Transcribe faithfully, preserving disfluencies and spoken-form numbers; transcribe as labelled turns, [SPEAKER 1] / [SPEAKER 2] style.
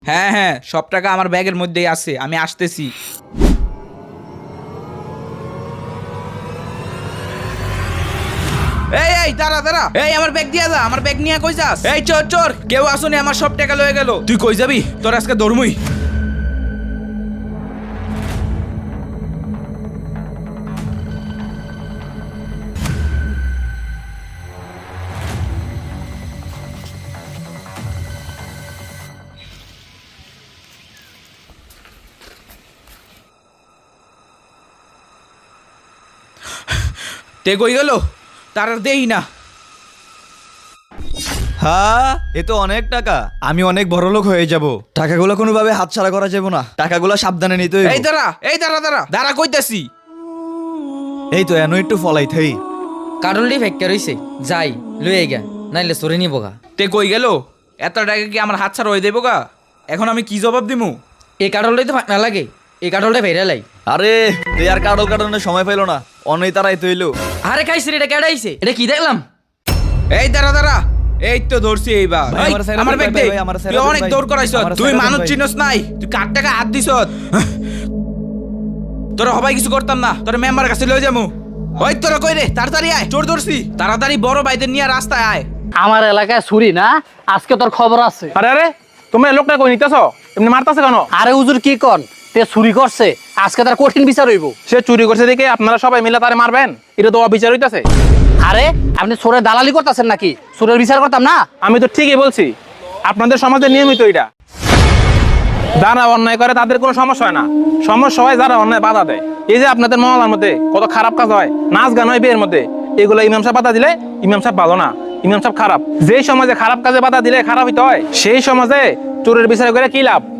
[SPEAKER 1] হ্যাঁ হ্যাঁ, সব টাকা আমার ব্যাগের মধ্যেই আছে, আমি আসতেছি। এই এই দাঁড়া দাঁড়া, এই আমার ব্যাগ দিয়া যা, আমার ব্যাগ নিয়ে কই যাস? এই চোর চোর, কেউ আসুনি, আমার সব টাকা লয়ে গেল। তুই কই যাবি? তোর আজকে ধর্মই। তে কই গেল? তার আর দেই না।
[SPEAKER 2] হ্যাঁ, এ তো অনেক টাকা। আমি অনেক বড় লোক হয়ে যাব। টাকাগুলো কোনোভাবে হাতছাড়া করা যাবে না। টাকাগুলো সাবধানে নিতে হইব।
[SPEAKER 1] এই দাঁড়া, এই দাঁড়া দাঁড়া দাঁড়া, কইতাছি।
[SPEAKER 2] এই তো এনো একটু ফলাই থাই।
[SPEAKER 3] কাটলটি ফেক্কা রইছে, যাই লইয়ে গা, নাইলে সরে নিব গা।
[SPEAKER 1] তে কই গেল? এত টাকা কি আমার হাত ছাড়া হয়ে দেবো গা? এখন আমি কি জবাব দিমু?
[SPEAKER 3] এই কাটলটাই তো ফাঁকনা লাগে, এই কাটলটা ভেড়া লাই।
[SPEAKER 2] আরে তুই আর কাটল কাটানোর সময় পাইলো না, অনেক তারাই তৈল।
[SPEAKER 3] আরে খাইছি রে, এটা কেডাইছে? এটা কি দেখলাম?
[SPEAKER 1] এই দাঁড়া দাঁড়া, এই তো ধরছি এইবার।
[SPEAKER 2] ভাই,
[SPEAKER 1] এই,
[SPEAKER 2] আমার সাইরা
[SPEAKER 1] আমার
[SPEAKER 2] দেন,
[SPEAKER 1] ব্যাগ
[SPEAKER 2] ভাই,
[SPEAKER 1] দে।
[SPEAKER 2] ভাই, আমার সাইরা
[SPEAKER 1] তুই
[SPEAKER 2] দেন,
[SPEAKER 1] অনেক
[SPEAKER 2] ভাই।
[SPEAKER 1] দৌড় করাইছ,
[SPEAKER 2] আমার
[SPEAKER 1] তুই
[SPEAKER 2] সাইরা দেন,
[SPEAKER 1] মানুষ
[SPEAKER 2] ভাই।
[SPEAKER 1] চিনস নাই, তুই কার টাকা হাত দিছ। তোরা হবাই কিছু করতাম না, তোরা মেম্বার কাছে লয়ে যামু। ওই তোরা কই রে? তাড়াতাড়ি আয়, চোর ধরছি। তাড়াতাড়ি বড় ভাইদের নিয়ে রাস্তায় আয়।
[SPEAKER 4] আমার এলাকায় ছুরি না, আজকে তোর খবর আছে।
[SPEAKER 5] আরে আরে তুমি এই লোকটা কই নিতেছ? এমনি মারতাছে কেন?
[SPEAKER 4] আরে হুজুর কি কন, তে চুরি করছে, আজকে তার কঠিন বিচার হইব।
[SPEAKER 5] সে চুরি করছে দেখে আপনারা সবাই মিলে তারে মারবেন? এটা তো অবিচার হইতাছে।
[SPEAKER 4] আরে আপনি চোরের দালালি করতেছেন নাকি? চোরের বিচার করতাম না?
[SPEAKER 5] আমি তো ঠিকই বলছি, আপনাদের সমাজে নিয়মিত এটা। যারা অন্যায় করে তাদের কোনো সমস্যা হয় না, সমস্যা হয় যারা অন্যায় বাধা দেয়। এই যে আপনাদের মহল্লার মধ্যে কত খারাপ কাজ হয়, নাচ গান হয় বিয়ের মধ্যে, এগুলো ইমাম সাহেব বাধা দিলে ইমাম সাহেব ভালো না, ইমাম সাহেব খারাপ। যেই সমাজে খারাপ কাজে বাধা দিলে খারাপ হইতে হয়, সেই সমাজে চোরের বিচার করে কি লাভ?